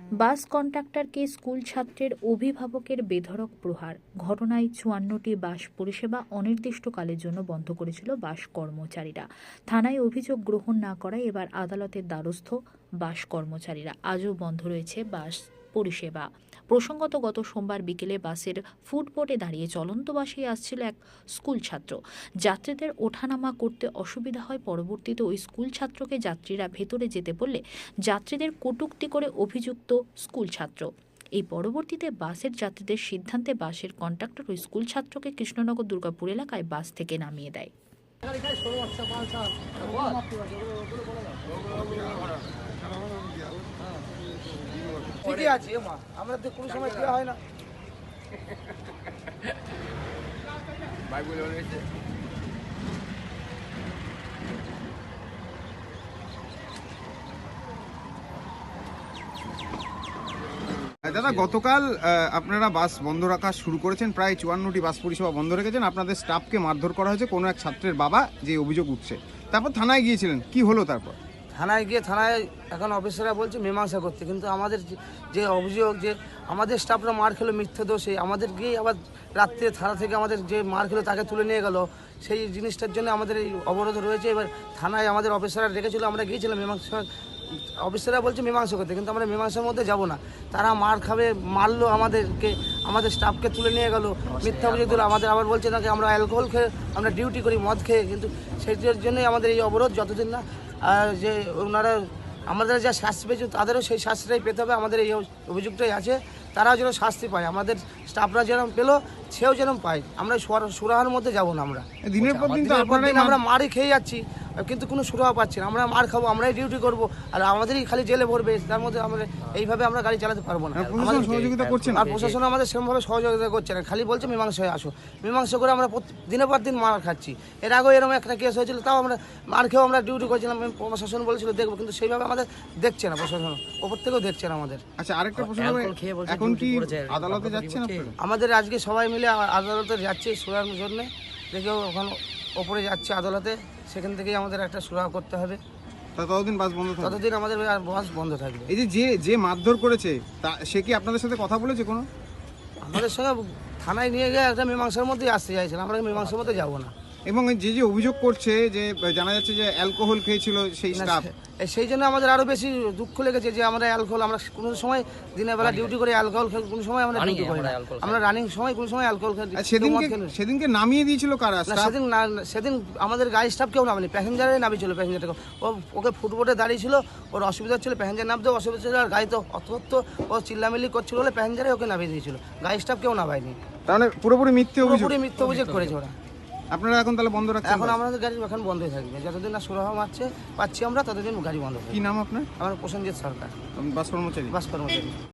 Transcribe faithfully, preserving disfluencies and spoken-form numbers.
বাস কন্ডাক্টরকে school ছাত্রের অভিভাবকের বেধড়ক প্রহার। ঘটনায় চুয়ান্নটি বাস পরিষেবা অনির্দিষ্টকালের জন্য বন্ধ করেছিল বাস কর্মচারীরা। থানায় অভিযোগ গ্রহণ না করায় এবার আদালতের দ্বারস্থ বাস কর্মচারীরা। আজও বন্ধ রয়েছে বাস পরিষেবা। প্রসঙ্গত, গত সোমবার বিকেলে বাসের ফুটবোর্ডে দাঁড়িয়ে চলন্ত বাসে আসছিল এক স্কুল ছাত্র। যাত্রীদের ওঠানামা করতে অসুবিধা হয়। পরবর্তীতে ওই স্কুল ছাত্রকে যাত্রীরা ভেতরে যেতে বললে যাত্রীদের কটূক্তি করে অভিযুক্ত স্কুল ছাত্র। এই পরবর্তীতে বাসের যাত্রীদের সিদ্ধান্তে বাসের কন্ডাক্টর ওই স্কুল ছাত্রকে কৃষ্ণনগর দুর্গাপুর এলাকায় বাস থেকে নামিয়ে দেয়। ঠিকই আছে মা, আমরা তো কোনো সময় দেওয়া হয় না। দাদা, গতকাল আপনারা বাস বন্ধ রাখা শুরু করেছেন, প্রায় চুয়ান্নটি বাস পরিষেবা বন্ধ রেখেছেন। আপনাদের স্টাফকে মারধর করা হয়েছে কোনো এক ছাত্রের বাবা, যে অভিযোগ উঠছে। তারপর থানায় গিয়েছিলেন, কি হলো তারপর? থানায় গিয়ে থানায় এখন অফিসাররা বলছে মীমাংসা করতে, কিন্তু আমাদের যে অভিযোগ যে আমাদের স্টাফরা মার খেলো মিথ্যে দোষে, আমাদের গিয়ে আবার রাত্রে থানা থেকে আমাদের যে মার খেলো তাকে তুলে নিয়ে গেল, সেই জিনিসটার জন্য আমাদের এই অবরোধ রয়েছে। এবার থানায় আমাদের অফিসাররা ডেকেছিল, আমরা গিয়েছিলাম মীমাংসা। অফিসাররা বলছে মীমাংসা করতে, কিন্তু আমরা মীমাংসার মধ্যে যাব না। তারা মার খাবে, মারলো আমাদেরকে, আমাদের স্টাফকে তুলে নিয়ে গেল, মিথ্যা অভিযোগ দিল। আমাদের আবার বলছে নাকি আমরা অ্যালকোহল খেয়ে আমরা ডিউটি করি মদ খেয়ে, কিন্তু সেইটার জন্যই আমাদের এই অবরোধ। যতদিন না আর যে ওনারা আমাদের যা শাস্তি পেয়েছে তাদেরও সেই শাস্তিটাই পেতে হবে। আমাদের এই অভিযোগটাই আছে, তারাও যেন শাস্তি পায়, আমাদের স্টাফরা যেরকম পেলো সেও যেন পায়। আমরা সুরাহার মধ্যে যাব না। আমরা দিনের পর দিন আমরা মারি খেয়ে যাচ্ছি, কিন্তু কোনো সুরাহা পাচ্ছি না। আমরা মার খাবো, আমরাই ডিউটি করবো, আর আমাদেরই খালি জেলে ভরবে। তার মধ্যে আমরা এইভাবে আমরা গাড়ি চালাতে পারবো না। সহযোগিতা করছেন আর প্রশাসন আমাদের সেরকমভাবে সহযোগিতা করছে না, খালি বলছে মীমাংসায় আসো। মীমাংসা করে আমরা দিনের পর দিন মার খাচ্ছি। এর আগেও এরকম একটা কেস হয়েছিল, তাও আমরা মার খেয়েও আমরা ডিউটি করছিলাম। প্রশাসন বলেছিল দেখবো, কিন্তু সেইভাবে আমাদের দেখছে না প্রশাসন, ওপর থেকেও দেখছে না আমাদের। আচ্ছা, আরেকটা প্রশ্ন, এখন কি আদালতে যাচ্ছেন আপনারা? আমাদের আজকে সবাই মিলে আদালতে যাচ্ছি সুরাহার জন্য। দেখেও ওখানে ওপরে যাচ্ছে আদালতে, সেখান থেকেই আমাদের একটা সুরাহা করতে হবে। ততদিন বাস বন্ধ থাকবে? ততদিন আমাদের বাস বন্ধ থাকবে। এই যে যে যে মারধর করেছে তা সে কি আপনাদের সাথে কথা বলেছে কোনো? আমাদের সঙ্গে থানায় নিয়ে গিয়ে একটা মীমাংসার মধ্যেই আসতে চাইছিলাম, আমরা মীমাংসার মধ্যে যাবো না। এবং যে যে অভিযোগ করছে যে জানা যাচ্ছে যে অ্যালকোহল খেয়েছিল সেই স্টাফ, সেই জন্য আমাদের আরো বেশি দুঃখ লেগেছে যে আমরা অ্যালকোহল, আমরা কোনো সময় দিনের বেলা ডিউটি করে অ্যালকোহল খেয়ে কোনো সময় আমরা ডিউটি করি না। আমরা রানিং সময় কোনো সময় অ্যালকোহল খাই। সেদিনকে সেদিনকে নামিয়ে দিয়েছিল কারা? সেদিন সেদিন আমাদের গাড়ি স্টাফ কেউ নামেনি, প্যাসেঞ্জারই নামিয়েছিল। প্যাসেঞ্জারটাকে ও ওকে ফুটবোর্ডে দাঁড়িয়ে ছিল, ওর অসুবিধা ছিল, প্যাসেঞ্জার নামতেও অসুবিধা ছিল, আর গাড়ি তো অত ও চিল্লামিল্লি করছিল বলে প্যাসেঞ্জারে ওকে নামিয়ে দিয়েছিল, গাড়ি স্টাফ কেউ নামায়নি। তাহলে পুরোপুরি মিথ্যে অভিযোগ, পুরোপুরি মিথ্যে অভিযোগ করেছে ওরা। আপনারা এখন তাহলে বন্ধ রাখছেন? এখন আমাদের গাড়ি এখন বন্ধই থাকবে, যতদিন না সুরাহা মারছে পাচ্ছি আমরা ততদিন গাড়ি বন্ধ। কি নাম আপনার? আমার প্রসেনজিৎ সরকার, বাস কর্মচারী। বাস কর্মচারী।